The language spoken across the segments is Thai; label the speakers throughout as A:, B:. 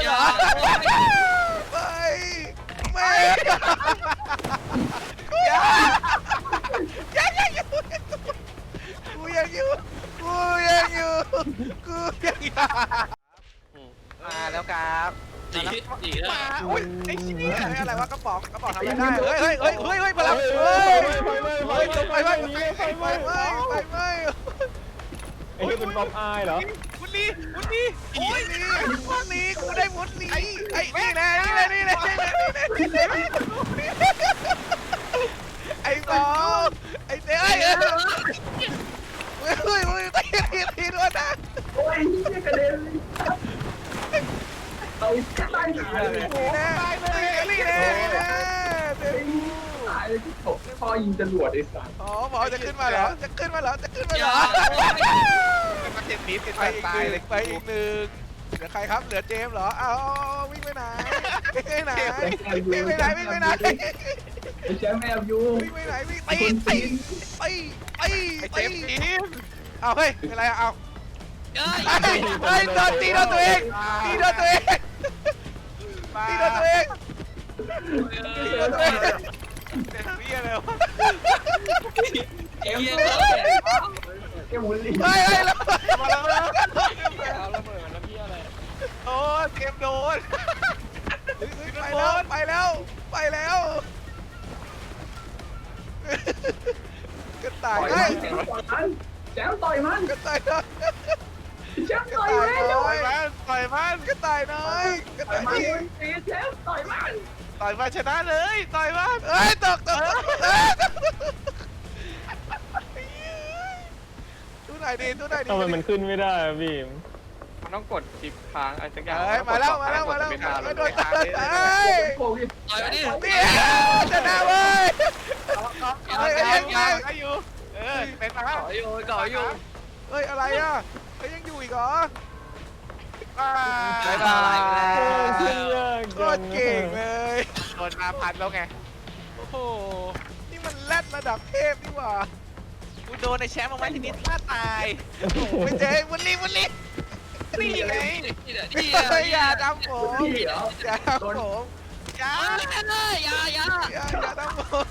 A: เหรอไม่ยังอยู่กูยังอยู่มาแล้วครับมาโอ้ยไอ้ชี้อะไรวะกระป๋องทำอะไรได้เฮ้ยพลังไฟ
B: ไอ้ที่เป็นป๊อปอายเหรอ
A: มุดนี่โอ้ยนี่กูได้มุดนี่ไอ้นี่แน่ไอ้บอลไอ้เต้ตีด้วยนะ
C: โอ้ยนี่กระเด็นเอาตายเลย
A: นี่แน่
C: ตายเลยที่ตกพอยิงจรวดไอ้สัตว์
A: อ๋อหมอจะขึ้นมาเหรอจะขึ้นมาเหรอมันเจ็บนิดเป็นตายเลยไปอีกหนึ่งเหลือใครครับเหลือเจมส์เหรอเอาวิ่งไปไหนวิ่งไปไหน
C: แชมป์แอบอยู่
A: วิ่งไปไหนวิ่งไปเอาเฮ้ยอะไรเอาโดนตีโดนตัวเองเป็นเบี้ยเลยวะ
C: แกหมุนลิ้น
A: เฮ้ยแล้ว
B: เอาระเบิดมันแล้วพี่อะไร
A: โอ้เกมโดนไปแล้วกระต่ายไง
C: แชมป์ต่อยมัน
A: กระต่ายน้อย
C: แชมป์ต่อย
A: มันกระต่ายน้อย
C: แชมป์ต่อยมัน
A: ชนะเลยต่อยมันเอ้ยตกตู้ไหนดี
B: ทำไมมันขึ้นไม่ได้พี่มันต้องกดชิปค้างอะไรสักอย่าง
A: มาแล้วโดนตาย
C: โอ้ย
A: ต่อยมาดิชนะเว้ยยังอยู่เป็นมาแล้ว
D: ก่ออยู่
A: เฮ้ยอะไรอ่ะยังอยู่อีกเหรอ
D: ไม่ได้
A: โคตรเก่งเลยโดนมาพันแล้วไงโอ้โหนี่มันแรดระดับเทพนี่หว่ากูโดนในแชมป์มาไว้ทีนี้ท่าตายไม่เจ๊วันนี้นี่ไงอย่าทำผมอย่าทำผมอย่าทำผม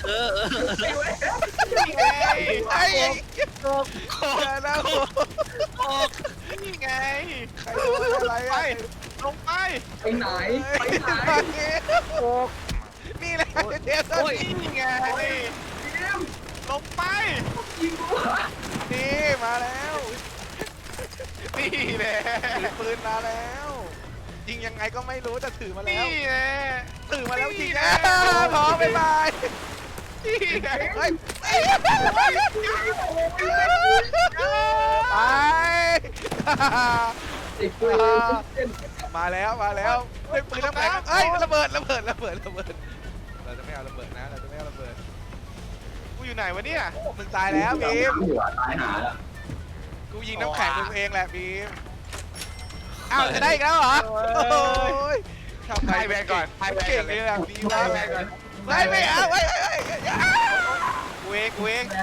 A: นี่ไงไอ้อย่าทำผมนี่ไงใครโดนอะไรลงไป
C: ไหน
A: นี่แหละเจสันนี่ไงลงไปนี่มาแล้วนี่แหละปืนมาแล้วยิงยังไงก็ไม่รู้แต่ถือมาแล้วนี่แหละถือมาแล้วจริงพอบ๊ายบายมาแล้วเป็นปืนน้ำแข็งระเบิดเราจะไม่เอาระเบิดนะกูอยู่ไหนวะเนี่ยมึงตายแล้วบีม
C: ตายหาแล้ว
A: กูยิงน้ำแข็งมึงเองแหละบีมอ้าวจะได้อีกแล้วเหรอทำไงแบนก่อนเก่งเลยดีมากไม่เอาเวก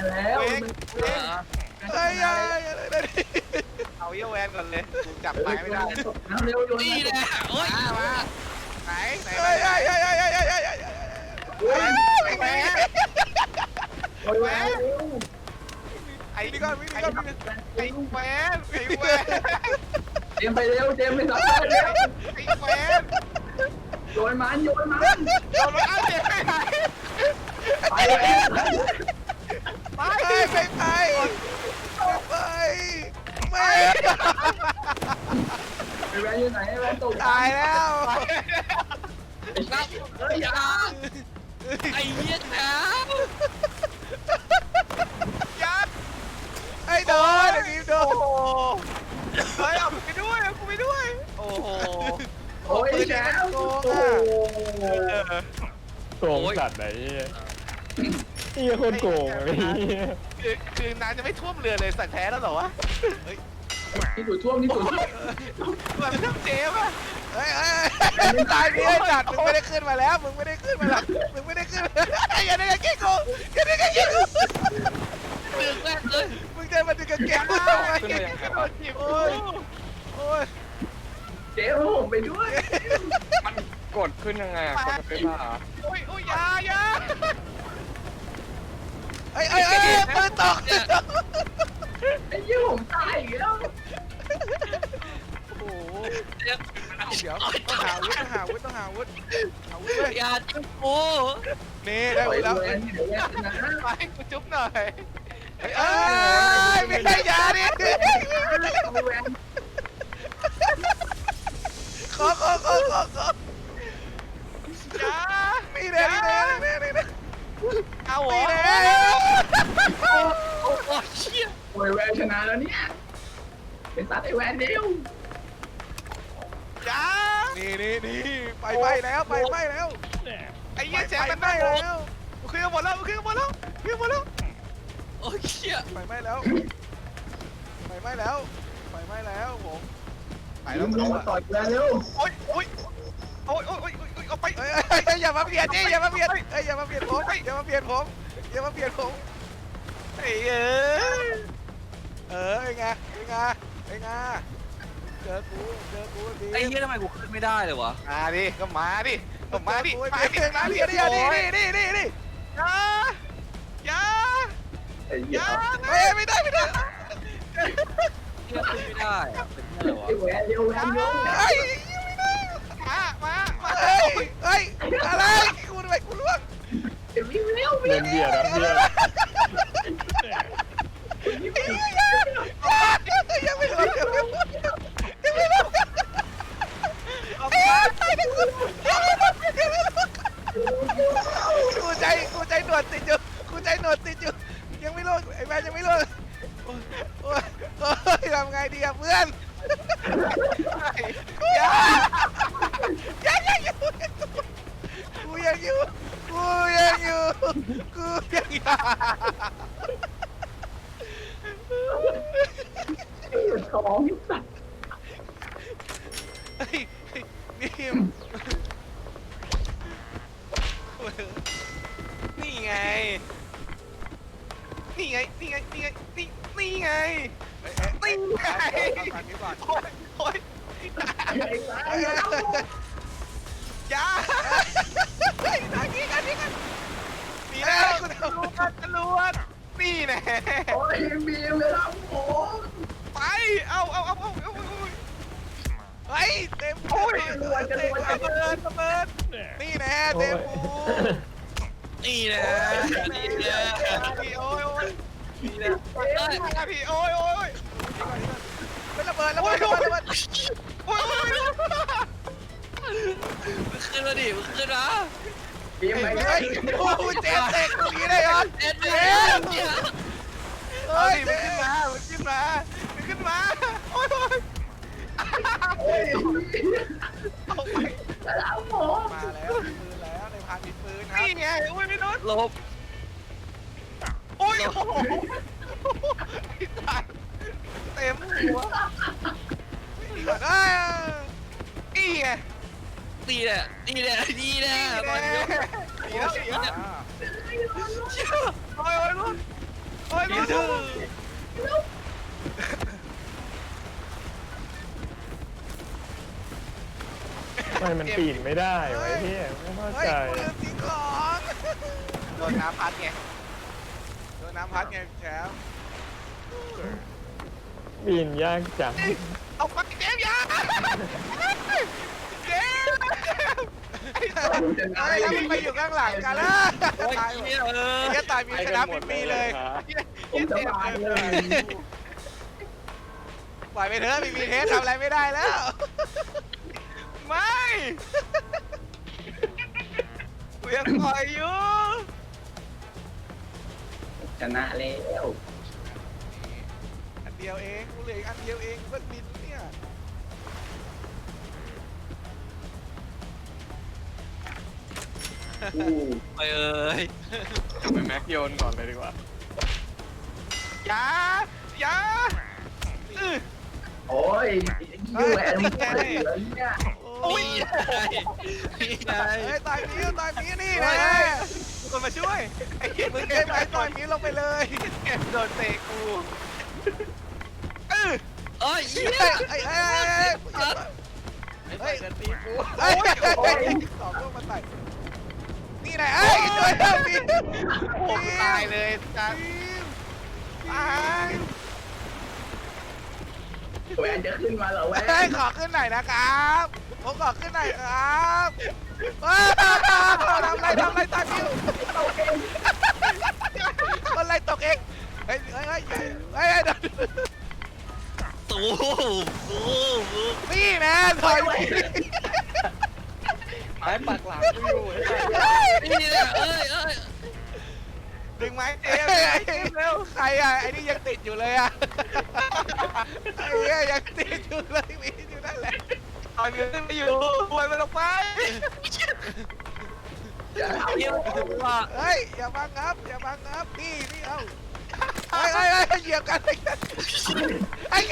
A: เอาเยอะแวนก่อนเลยกูจับไม้ไม่ได้
D: นี่แหละโอ้ย
A: มาไหนแวนไอ้นี่ก่อนไอ้แวน
C: เจมไปเร็วเจมไปรับ
A: ไอ้แวน
C: โยนมัน
A: เอาเจ็บไปไหนไม่
C: แวนอยู่ไหนแวนตก
A: ตายแล้ว
D: ไอ้เหี้ยนะ
A: ยัดไอ้โดนบีมโดนเฮ้ยเอาไปด้วยโอ้โห
C: โอ้ยแชมป์
B: โกงสัตว์ไหนนี่คนโกงเลย
A: คือน้ำจะไม่ท่วมเรือเลยสัตว์แท้แล้วเหรอวะ
C: นี่ถูท่วม
A: แบบไม่ต้องเจ๊ป่ะตายนี่จัดมึงไม่ได้ขึ้นมาแล้วอย่าได้กันกี้กู
D: ดึงแม่เลย
A: มึงจะมาดึงกันเก็บกูทำไมโอ้ย
C: เจ๊เอาผมไปด้วย
B: มันกดขึ้นยังไงอะกดไปบ้า
A: โอ้ยโอ้ยอยาเอ้ยปืนตก
C: ไอ้ยี่ผมตายอีกแล้ว
A: โอ้โห
D: เดี๋ยว
A: เดี๋ยวต้องหาอาวุธอาวุธเลย
D: อย่าจิ้มกู
A: นี่ได้อาวุธแล้ว
C: เดี๋ยวแย่นะ
A: ไปกูจุ๊บหน่อยเอ้ยไม่ได้ยาดิ
C: เอาแหวน
A: ขอจ้านี่แน่เอาเหรอ
D: โอ้ยเชี่ย
C: โอ้ยแหวนชนะแล้วเนี่ยเป็นซัดไอ้แหวนเดียว
A: จ้านี่ไปแล้วไอ้เหี้ยแจกมันได้แล้วคือหมดแล้ว
D: โอ้ยเชี่ย
A: ไฟไหม้แล้วผมไป
C: ลุ
A: แล้ว
C: งมาต่อยกันเร็ว
A: โอ๊ยเอาไปอย่ามาเบียดผมอย่ามาเบียดผมไอ้ไงเจอกูดี
D: ไอ้เหี้ยทำไมกูขึ้นไม่ได้เลยวะ
A: มาดิมาดิมาดิอย่า
C: ไอ้ยี่
A: ไม่ได้
D: เหี้ยขึ้นไม่ได้อะเป็นเหี้ยอะไรวะ
C: ไอ้แหวนเร็วแหวนเร็ว
A: มาอะไรกูทำไมกูล่วง
C: เร็วเร็ว
B: เดินเบียดอะเบียด
A: ยังไม่รู้กูใจหนวดติดอยู่ยังไม่รู้ไอ้แม่ยังไม่รู้โอ้ยทำไงดีอะเพื่อนยังอยู่กูยังอยู่
C: ท้องสัตว์
A: นี่ไงโอ้ย
C: ไอ้สายแล้ว
A: อย่าทางนี้กันนี่แล้วคุณตำรวจนี่แน่
C: โอ้ยบีมเลยครับผม
A: ไปเอาเฮ้ยเต็มโอ้ยระเบิดนี่แน่เต็มปู
D: นี่นะนี่นะ
A: พี่โอ้ย
D: นี่นะเอ้ย
A: พี่โอ้ยเป็นระเบิด
D: มึงขึ้นมาดิมึงขึ้นมา
C: บีมไปเล
A: เฮ้
C: ย
A: ยโอ้ยเจ็บเตะตรงนี้ได้ยอน
D: เอ็ด
A: เจ็
D: เนี่ย
A: บเฮ้ยมันขึ้นมาโอ้ย
C: โอ้ย
A: เอาไป
C: แล้วผม
A: มาแล้วปืนแล้วในพานมีปืนนี่ไงโอ้ยไม่โดน
D: ลบ
A: โอ้ยโอ้โหตายเต็มหัวนี่ก่อนนี่ไง
D: นี่แหละนี่แหละนี่แหละตอนนี้
A: ดีแล้วโอ้ยลุ้น
D: นี่คือ
B: ทำไมมันปีนไม่ได้ไว้พี่ไม่เข้า
A: เฮ้ย
B: ใจ
A: กูลืมทิ้งของโดนน้ำพัดไงแชมป์
B: ปีนยากจัง
A: เอาไปเจมส์ยาเจมส์เฮ้ยแล้วมึงไปอยู่ข้างหลังกันแล้ว
D: โอ้ย
A: ตาย
D: เหี้ย
A: แค่ตายมีชนะมีเลย
C: ผมจะมาเลย
A: ปล่อยไปเถอะมีเทสทำอะไรไม่ได้แล้ว ไม่กูยังปล่อยอยู่
C: ชนะแล้ว
A: อันเดียวเองกูเหลืออีกอันเดียวเองก็บินเนี่ย
D: ไปเอ้ย
B: ไปแม็กโยนก่อนเลยดีกว่า
A: อย่า
C: โอ้ยยูแหวนมึงเหลือเนี่ย
A: โอ้ย
D: นี่ไง
A: เฮ้ยตายมีนี่นะมีคนมาช่วยไอ้เหี้ยมึงเก็บไอ้ตอนนี้ลงไปเลยโดนเตะกู
D: เอ้ยเหี้ย
A: ไอ้เฮ้ยกันตีกูเฮ้ยสองลูกมาใส่นี่ไหนเอ้ยช่วยเถอะพี่โอ้ตายเลยจังตาย
C: แวนจะขึ้นมาเหรอแวน
A: เฮ้ยขอขึ้นหน่อยนะครับผมขอขึ้นหน่อยครับทำไรตายพี่คนไรตกเองเฮ้ย
D: ตู
A: นี่นะถอย
B: ไม้ปักหลังอยู่ไอ้สัส
D: นี่เนี่ย
A: ดึงไม้เจมเร็วใครอ่ะไอ้นี่ยังติดอยู่เลยอ่ะไอ้เนี่ยยังติดอยู่เลยมีอยู่นั่นแหละตอนนี้ไม่อยู่ปล่อยมันออกไป
D: เยี่ยมว่ะ
A: เฮ้ยอย่าบังครับนี่เอาเฮ้ยเหยียบกันไอ้แก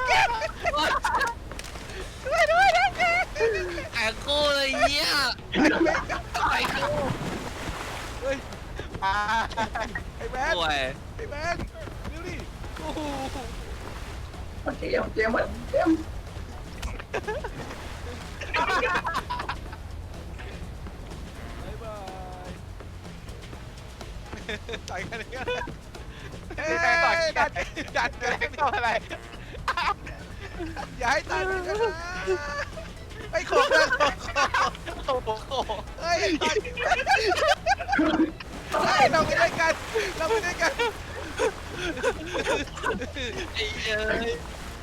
A: ด้วยนะแก
D: แอบกูเลยเยี่ยไอ้กู
A: เฮ้ยไอ้แมน
D: โอ้ย
A: ดูดิโอ้โห
C: เจมส์
A: บ๊ายบายต่อยกันเลยดันกันอะไรอย่าให้ตายกันนะไอ้โขกเลยโขกเฮ้ยเราไม่ได้กัน
D: ไอ้เอ้ย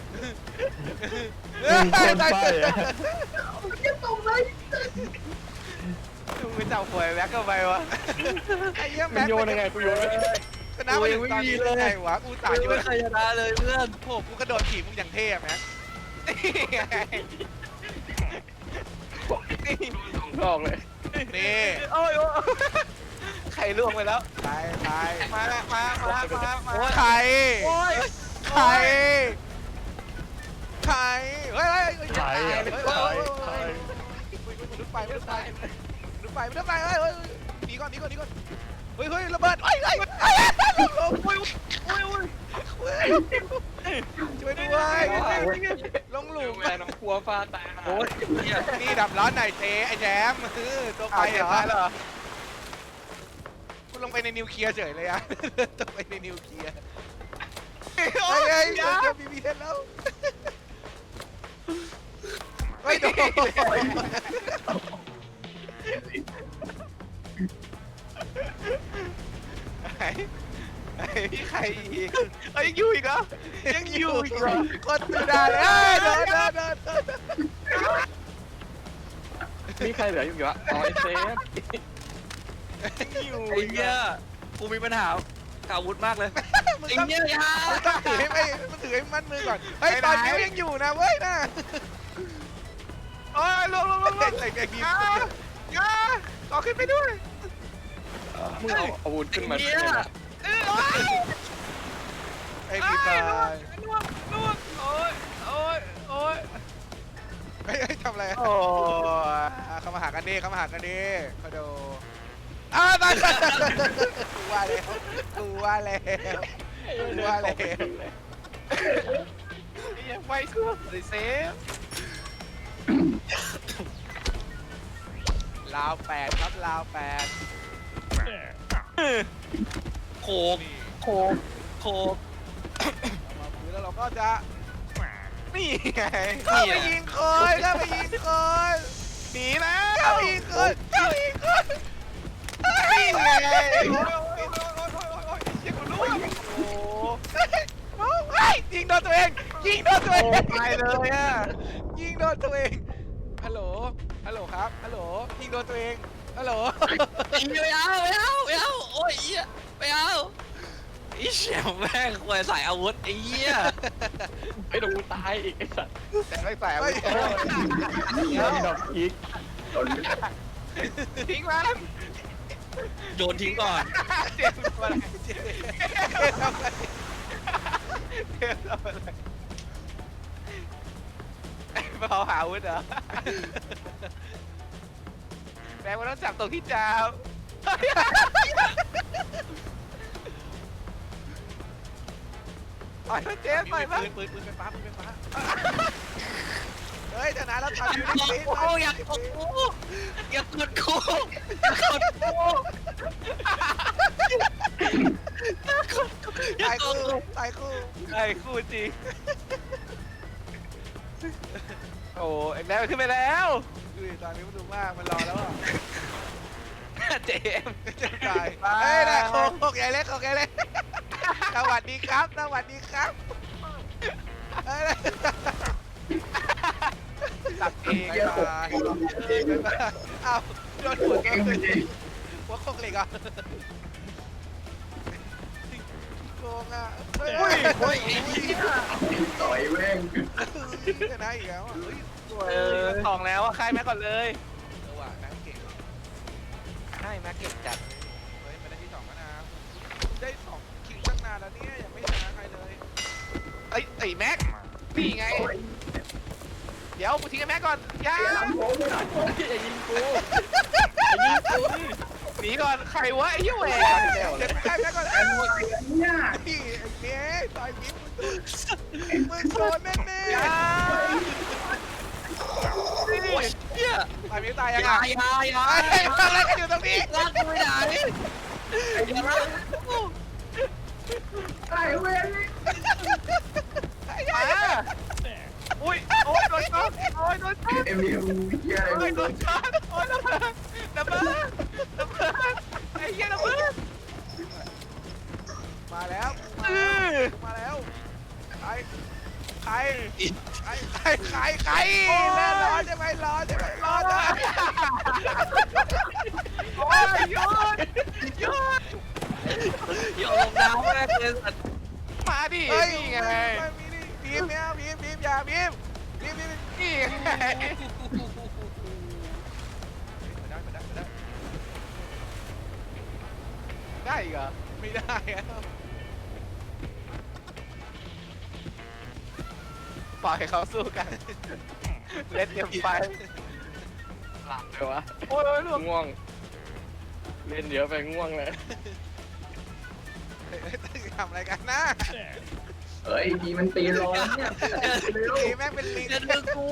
A: ตาย
C: จะตกเลย
A: มึงไปจับหวยแม็กก็ไปวะไอ้เหี้ย
B: มึ
A: แม็
B: ง
A: ก
B: โยนยังไงกูโยนไม่ได้
A: ชนะมาถึงตอนนี้ได้ไงวะกูตายโย
D: ไม่
A: น
D: เคยชนะเลยเพื่อน
A: โอ้กูกระโดดถีบมึงอย่างเท่แม็ก
B: บอกเลย
A: นี่โอ้ยไข่ล่วงไปแล้วตายมาไข่เฮ้ยลุกไปหนีก่อนเฮ้ยระเบิดช่วยด้วยลงหลุม
B: แม่น้องครัวฟ้าตาย
D: โอ้ยเยี่ย
A: นี่ดับร้อนหน่อยเจไอ้แจมตัวไปเหรอคุณลงไปในนิวเคลียร์เฉยเลยอะตกไปในนิวเคลียร์เฮ้ยจะมีเทนแล้วเฮ้ยโดนใครอีกยังอยู่อีกเหรอคนตื่นได้เลยเดิน
B: มีใครเหลืออยู่วะอ๋อไอ้เซฟ
A: อยู่
D: ไอ้เหี้ยกูมีปัญหาอาวุธมากเลยไอ้เหี้ยยา
A: ต้องถือให้มัดมือก่อนเฮ้ยตอนนี้ยังอยู่นะเว้ยนะโอ้ยลงใส่แกงกินต่อขึ้นไปด้วย
B: มึงเอาอาวุธขึ้นมา
D: ไอ้เหี้ย
A: ไอ้พี่ตาย
D: โอ้ย
A: เฮ้ยทำอะไรโอ้เข้ามาหากันดิเขาดูตายกูว่าแล้วยังไว้เครื่องเลยเซฟลาว8ครับลาว8
D: โคก
A: มาปืนแล้วเราก็จะนี่ไงเข้าไปยิงคนหนีนะเข้าไปยิงคนนี่ไงยิงคนรู้โอ้ยยิงโดนตัวเองตายเลยอ่ะยิงโดนตัวเองฮัลโหลครับฮัลโหลยิงโดนตัวเองฮัลโหล
D: ไม่เอาโอ้ยเหี้ยไม่เอาไอ้เชี่ยแม่งควรใส่อาวุธไอ้เหี้ย
B: ไอ้ดกูตายอีกไอ้สัตว์
A: แต่ไม่ใส่ไม่
B: ดอกอีก
A: ทิ้งมัน
D: โยนทิ้งก่อน
A: เจมส์อะไรมาเอาหาอาวุธเหรอแม่งมันต้องจับตรงที่จ้าต่อยเจมส์ต่อยมั้ยปืนไฟฟ้าฮ้ยชนะแล้วทำยูนิค
D: โอ้อยากกดกูอยากกดกูอยากกดกูอยากกดกู
A: ตายคู่
B: ไอ้คู่จริงโอ้เอ็กแล้วขึ้นไปแล้ว
A: ดูดิตอนนี้มันดูมากมันรอแล้วอ่ะ
B: เจม
A: จะตายเฮ้ยนะโคกใหญ่เล็กโคกใหญ่เล็กสวัสดีครับสวัสดีครับเฮ้ย
B: ตัดเอง
A: บ๊ายบายบ๊ายบายอ้าวโดนหัว
C: เก่งจริง
A: หัวโคกเหล็กอ่ะโกงอ่ะเฮ้ย
D: โอ้ย
C: ต่อยแม่ง
A: ชนะอีกแล้วอ่ะเฮ้ย
B: สองแล้วอะใครแม็กก่อนเลย
A: เออว่ะนักเก่ง
B: ใช่แม็กเก็บจัด
A: เฮ้ยมาได้ที่สองแล้วนะได้สองคิวตั้งนานแล้วเนี่ยยังไม่ชนะใครเลย
B: ไอ้แม็กนี่ไง
C: โอ้ย
B: เดี๋ยวกูทิ้งไอ้แม็กก่อนอย่า
C: หลังผมหลังผม
B: อย่ายิงกูอย่ายิงกูหนีก่อนใครวะไอ้เหี้ยแหวน
A: เดี๋ยวใครแม่ก่อน
C: ไอ้เนี่ย
A: พี่ไอ้เนี้ยต่อยมิ้มมึงโดนแน่
B: อย่า
D: โอ้ยเฮีย
A: ๆต่อยมิ้มตาย
D: อ
A: ยัง
D: ย่า
A: ไง
D: อย่า
A: ไอ้ทำอะไรกันอยู่ตรงนี้
D: ลากกูไปไหนอย่าลากกู
C: ไอ้เว้ย
B: มาอุ้ยโอ้ยโดนช็อตโอ้ยโดนช็อต
C: เอ็มดีเฮียอะไร
B: โอ้ยโด
C: มึ
B: น
C: ง
B: ช็อตโอ้ยระเบิดระเบิดระเบิดไอ้เหี้ยระเบิด
A: มาแล้วมาแล้วใครแน่ร้อนใช่ไหมร้อนใช่ไหมร้อนนะ
B: โอ้ยหยุดหยุด
D: อย่าลงน้ำแม่งเลยสัตว์
B: มาดิ
A: เฮ้ย
B: นี่ไง
A: มีนี่บีมเนี่ยบีมอย่าบีม
B: นี่ไง
A: ได้อีกเหรอไม่ได้อะ
B: ปล่อยเขาสู้กันเล่นเต็มไปหลับเลยวะโอ้ยลูก
E: ง่วง เล่นเยอะไปง่วงเลย
A: ทำอะไรกันนะ
C: เฮ้ยดีมันตีรอเนี่ยเร็ว
A: บีมแม่งเป็นลิง
D: อย่าดึงกู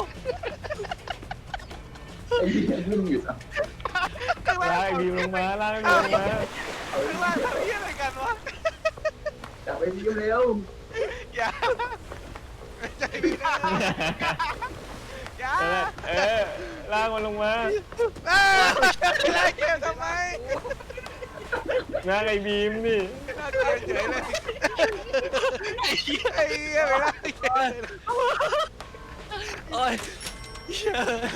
C: ไอ้เหี้ยนิ่งอยู่สัก
E: ลากดีลงมาลากดีลงมา
A: ข้างล่างทำเหี้ยอะไรกันวะ
C: จับไปดีเร็ว
A: อย่าใจดีนะอย่า
E: เออลากมันลงมา
A: ไล่เกมทำไม
E: ลากไอ้บีมดิ
A: น่าเกลียดเฉยเลยไอ้เหี้ยไปไล่เกมเลย
D: โอ้ยเฮีย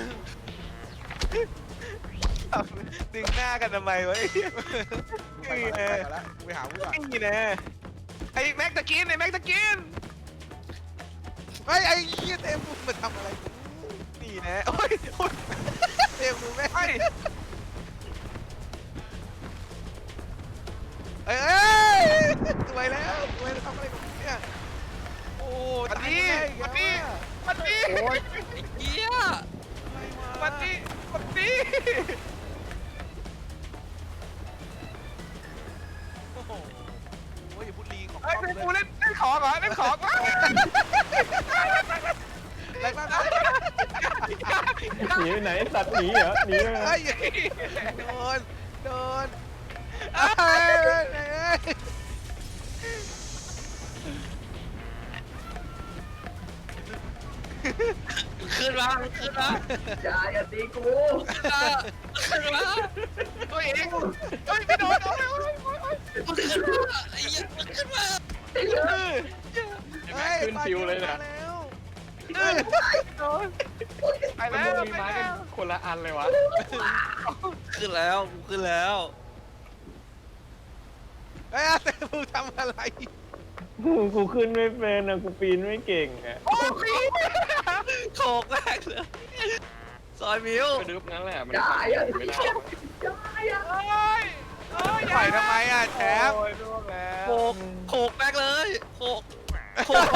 B: ดึงหน้ากันทำไมวะ
A: ไปก่อนแล้วไปหาผู้ก่อน
B: นี่แน่ไอ้แม็กตะกินไอ้แม็กตะกิน
A: เฮ้ยไอ้เหี้ยเต็มมือมาทำอะไร
B: นี่แน่โอ้ยโอ้ย
A: เต็มมือแม่ง
B: ไอ้
A: เอ้ยสวยแล้วสวยแล้วทำอะไรกับมึงเนี่ยโอ้
B: ปัดนี้ปัดนี้ปัดนี้
D: โอ้ยไอ้เฮีย
B: ปัดนี้ปัดนี้
A: โอ้โหอย่าพูดลีของ
B: ไอ้
A: ป้อม
B: กู
A: เลย
B: เล่นของเหรอเล่นของวะ
A: อะไรบ้างนะ
E: หนีไปไหนสัตว์หนีเหรอหนีไปไหน
A: เฮ้ยโดนเอ้ย
D: ขึ้นมาขึ้นมา
C: อย่าตีกู
D: ขึ้นมา
B: ตัวเองเฮ้ยไม่โดนโอ้ย
D: มึงขึ้นมาไอ้เหี้ยมึงขึ้นมา
E: แม็กขึ้นฟิวเลยนะ
B: โดนไป
E: มัน
B: แล้ว
E: มี
B: ไป
E: ไม้
B: แล้
E: กัน
B: ว
E: คนละอันเลยวะ
D: ขึ้นแล้วกูขึ้นแล้ว
A: เฮ้ยเต็มมือทำอะไร
E: กูขึ้นไม่เป็นอ่ะกูปีนไม่เก่งอ่ะ
B: โอ้ย
D: โขกแรกเลยซอยมิว
E: ไปดึบงั้นแหละมัน
C: อย่า
E: ไม่ได้
C: อย่า
B: โอ้ยโอ้ย
A: ปล่อยทำไมอ่ะแชมป์
B: โอ้ยล่วงแล้ว
D: โขกโขกแรกเลยโขกโขก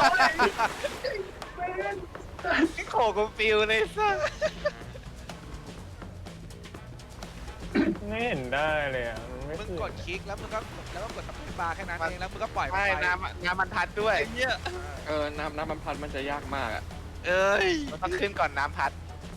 B: นี่โขกกูฟิวเลยสัส
E: ไม่เห็นได้เลยอ่ะมันไม่
A: มึง
E: ขึ้น
A: กดคลิกแล้วมึงก็กดสปีดบาร์แค่นั้นเองแล้วมึงก็ปล่อย
B: ไม่น้ำมันทัดด้วย
D: ไอ้เหี้ย
E: น้ำมันพัดมันจะยากมากอ่ะ
D: เอ้ย
B: มันต้องขึ้นก่อนน้ำพัด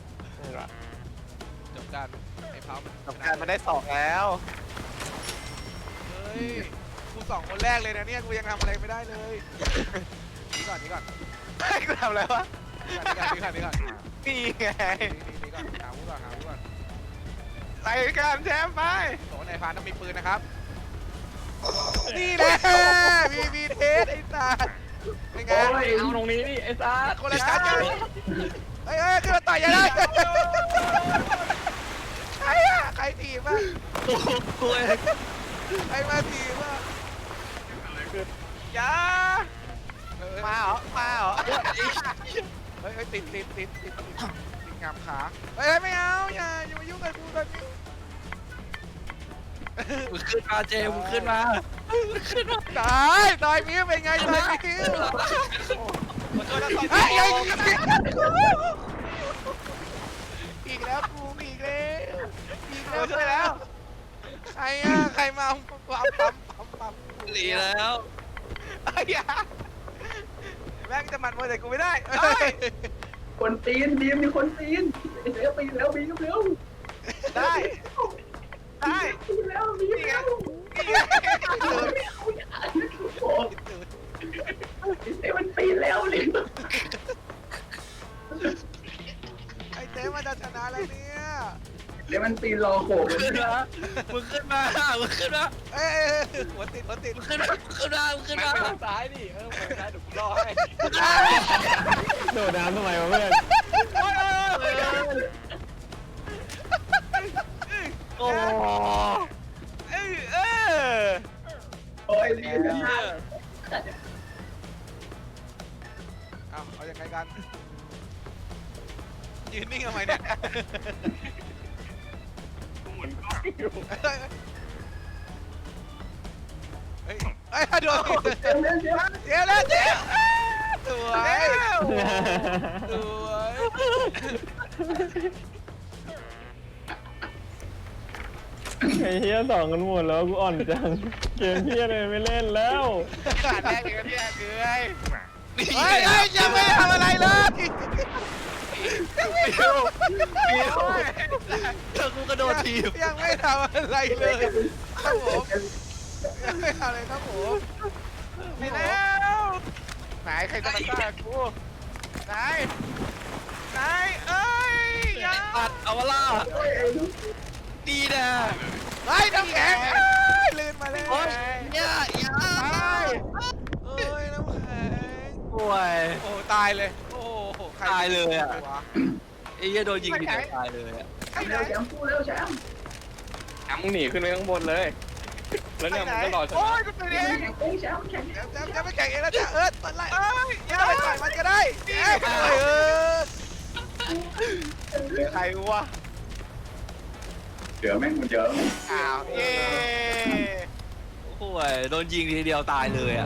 A: จบกันไอ้เผา
B: สงการมันได้สองแล้ว
A: เฮ้ยกูสองคนแรกเลยนะเนี่ยกูยังทำอะไรไม่ได้เลยนี่ก่อนนี่ก่อน
B: ให้กูทำอะไรวะ
A: นี่ก่อนนี่ก่อน
B: นี่ไง
A: นี่ก่อนหาวุ้ก่อนหาวุ้ก่อน
B: ใส่กันแชมป์ไป
A: โอ้นายพานต้องมีปืนนะครับนี่แหละมีเทสไอ้สัสเป็นไง
C: โอ้ย
E: เอาตรงนี้ดิไอ้ซัด
A: คนละชั้นกันเฮ้ยขึ้นมาต่อยยังไงใครอะใครถีบอะ
D: โอ้โห
A: ใครมาถีบอะ
B: อย่ามาเหรอมาเหรอ
A: เฮ้ยติดงามขาเฮ้ยไม่เอาอย่ามายุ่งกับกูตอนนี้
D: มึงขึ้นมาเจมึงขึ้นมามึงขึ้นมา
A: ตายมิ้วเป็นไงตายมิ้ว
B: ขอโทษนะสอง
A: เฮ้ยอีกแล้วกูอีกแล้วช่วยแล้วใครอะใครมาปั๊ม
D: หนีแล้ว
A: ไอ้ยาแม่งจะมันมาแต่กูไม่ได้
C: คนตีนดีมมีคนตีนเร็วปีนแล้วบีมเร็ว
B: ได้ได้
C: ปีนแล้วบีมเร็ว
B: นี่ไง
C: โอ้เต้มันปีนแล้วเลย
A: ไอ้เต้มันจะชนะแล้วเนี่ย
C: เดี๋ยวมันปีนรอโขก
D: ขึ้นมามึงขึ้นมามึงขึ้นมา
A: เอ้ยหัวติด
D: มึงขึ้นมามึงขึ้นมามึงขึ้นมา
E: ซ้ายดิไปซ้ายเดี๋ยวกูรอให้โดดน้ำทำไมวะเพื่อน
D: โอ้
C: โอ้ยดีนะ
A: เอายังไงกันยืนนิ่งทำไมเนี่ยเฮ้ยโดนติด
C: เร็วเร็วเร็ว
A: เดี๋ยวแล้วสวยสวย
E: ไอ้เฮียสองกันหมดแล้วกูอ่อนจังเกมเฮียเลยไม่เล่นแล้ว
B: ขาดแรกเองนะเนี่ยเกย
A: เฮ้ยยังไม่ทำอะไรเลย
D: เธอกูกระโดดทีบ
A: ยังไม่ทำอะไรเลยครับผมยังไม่ทำอะไรครับผม
B: ไปแล้วไหนใครจะมาฆ่ากูไหนเอ้ยอย่า
D: ตัดเอาวะล่ะดีนะ
A: ไอ้น้ำแข็งลื่นมาเลย
D: โอ้ยเนี่ยอย่า
A: เอ้ยน้ำแข็ง
D: โอ้ย
A: โอ้ตายเลยโอ้โห
D: ตายเลยอะ ไอ้เหี้ยโดนยิงทีเดียวตายเลยอะ
C: เร็วแชมป์สู้เร็วแชมป์
E: มึงหนีขึ้นไปข้างบนเลย แล้วเนี่ยมึงก็รอช
B: โอ้
E: นะ
B: ยกูเป็นเอ
C: แข่
B: ง
C: งเองแชมป์แข่ง
A: จะไม่แข่งเองแล้วจ้ะตอนไล่
B: เอ้ยอ
A: ยั
B: ย่าง
A: ไปต่อยมันก็ได้
B: ใครวะ
C: เดี๋ยวแม่งมันเยอะ
B: อ้าวเย้
D: โอ้ยโดนยิงทีเดียวตายเลยอะ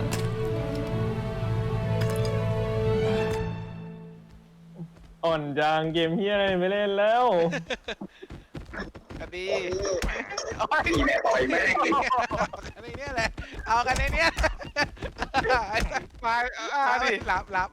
E: อ่อนจังเกมเฮียอะไรไม่เล่นแล้ว
B: กระดี
C: ตีแม่ต่อยแม่ง
A: ในนี้แหละเอากันในนี้
B: มาดิ
A: หลับ